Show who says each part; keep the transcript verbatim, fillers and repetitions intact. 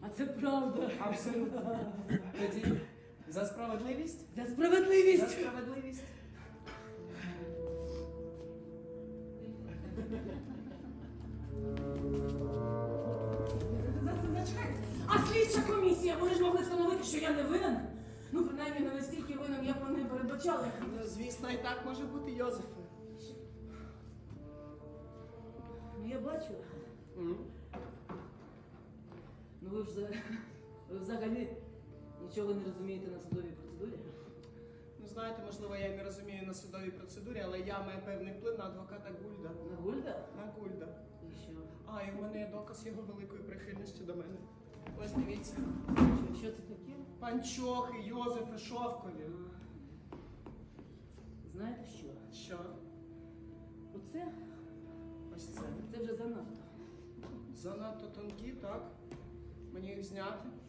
Speaker 1: А це правда.
Speaker 2: Абсолютно. Тоді за справедливість?
Speaker 1: За
Speaker 2: За
Speaker 1: справедливість.
Speaker 2: справедливість.
Speaker 1: Зачекайте. А слідча комісія, вони ж могли встановити, що я не винен? Ну, принаймні, не настільки винен, як вони передбачали.
Speaker 2: Ну, звісно, і так може бути, Йозефе.
Speaker 1: Ну, я бачу.
Speaker 2: М?
Speaker 1: Ну, ви ж за- ви взагалі нічого не розумієте на судовій процедурі.
Speaker 2: Ну, знаєте, можливо, я і не розумію на судовій процедурі, але я маю певний вплив на адвоката Гульда.
Speaker 1: На Гульда?
Speaker 2: На Гульда.
Speaker 1: І що?
Speaker 2: А, і в мене є доказ його великої прихильності до мене. Ось дивіться.
Speaker 1: Що, що це таке?
Speaker 2: Панчохи, Йозефи, шовкові.
Speaker 1: Знаєте що?
Speaker 2: Що?
Speaker 1: Оце,
Speaker 2: Ось це.
Speaker 1: це вже занадто.
Speaker 2: Занадто тонкі, так? Мені їх зняти?